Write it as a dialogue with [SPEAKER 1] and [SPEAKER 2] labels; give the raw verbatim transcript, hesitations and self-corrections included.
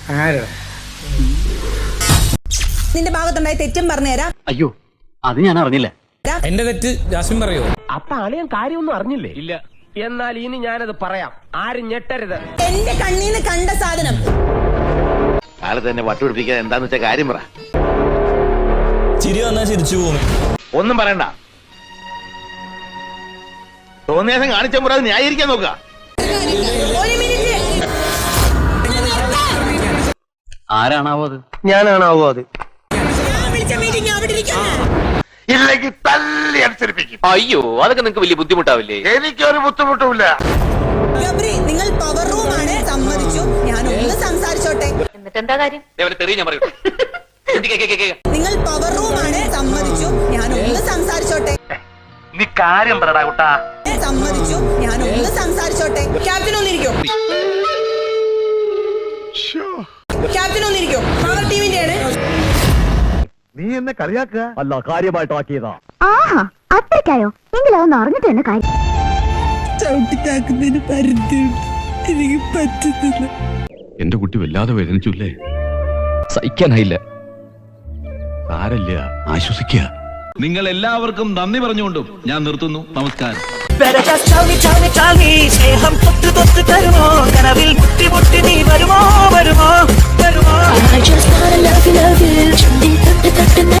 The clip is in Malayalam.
[SPEAKER 1] നിന്റെ ഭാഗത്തുണ്ടായ തെറ്റും പറഞ്ഞുതരാം.
[SPEAKER 2] അയ്യോ അത് ഞാൻ അറിഞ്ഞില്ല.
[SPEAKER 3] എന്റെ തെറ്റ് ജാസ്മിൻ പറയോ?
[SPEAKER 4] അപ്പൊ അളിയൻ കാര്യമൊന്നും അറിഞ്ഞില്ലേ? ഇല്ല. എന്നാൽ ഇനി ഞാനത് പറയാം, ആരും ഞെട്ടരുത്.
[SPEAKER 1] എന്റെ കണ്ണീന്ന് കണ്ട സാധനം
[SPEAKER 5] കാലത്ത് തന്നെ വട്ടുപിടിപ്പിക്കാൻ എന്താന്ന് വെച്ച കാര്യം പറ.
[SPEAKER 3] ചിരി വന്നാ ചിരിച്ചു പോകും.
[SPEAKER 5] ഒന്നും പറയണ്ട. തോന്നിയാസം കാണിച്ച മുറ അത് ന്യായീകരിക്കാൻ നോക്കുക.
[SPEAKER 1] ഒരു മിനിറ്റ്.
[SPEAKER 2] ആരാണാവോ അത്?
[SPEAKER 4] ഞാനാണാവോ അത്?
[SPEAKER 1] ഞാൻ വിളിച്ച മീറ്റിംഗ് അവിടെ ഇരിക്കുന്നു.
[SPEAKER 5] ഇല്ലെങ്കിൽ തല്ലി അനുസരിപ്പിക്കും.
[SPEAKER 2] അയ്യോ അതൊക്കെ നിങ്ങൾക്ക് വലിയ ബുദ്ധിമുട്ടാവില്ലേ?
[SPEAKER 5] എനിക്കൊരു ബുദ്ധിമുട്ടുമില്ല.
[SPEAKER 1] ഗബ്രി, നിങ്ങൾ പവർ റൂമാണ്, സമ്മതിച്ചു. ഞാൻ ഒന്ന് സംസാരിച്ചോട്ടെ.
[SPEAKER 6] എന്നിട്ട് എന്താ കാര്യം?
[SPEAKER 2] ഞാൻ പറയൂ.
[SPEAKER 1] നിങ്ങൾ പവർ റൂമാണ്, സമ്മതിച്ചു. ഞാൻ ഒന്ന് സംസാരിച്ചോട്ടെ.
[SPEAKER 5] നീ കാര്യം പറടാ കുട്ടാ.
[SPEAKER 1] സമ്മതിച്ചു. ഞാൻ ഒന്ന് സംസാരിച്ചോട്ടെ. ക്യാപ്റ്റൻ ഒന്നിരിക്കും. ക്യാപ്റ്റൻ ഒന്നിരിക്കും. പവർ ടീമിന്റെയാണ്.
[SPEAKER 5] നീ എന്നെ കളിയാക്കുക?
[SPEAKER 4] അല്ല, കാര്യമായിട്ടാക്കിയതാ.
[SPEAKER 6] ആഹാ അത്രയ്ക്കായോ? എങ്കിലൊന്ന് അറിഞ്ഞിട്ട് തന്നെ കാര്യം.
[SPEAKER 1] ചവിട്ടിത്താക്കുന്നതിന് പരിധിയുണ്ട്. എനിക്ക് പറ്റുന്നില്ല.
[SPEAKER 7] എന്റെ കുട്ടി വല്ലാതെ വേദനിച്ചില്ലേ?
[SPEAKER 2] സഹിക്കാനായില്ല.
[SPEAKER 7] സാരല്ല, ആശ്വസിക്കുക. നിങ്ങൾ എല്ലാവർക്കും നന്ദി പറഞ്ഞുകൊണ്ടും ഞാൻ നിർത്തുന്നു. നമസ്കാരം.
[SPEAKER 8] സ്നേഹം തൊട്ട് തൊട്ട് തരുമോ? കനവിൽ മുട്ടി മുട്ടി നീ വരുമോ വരുമോ വരുമോ?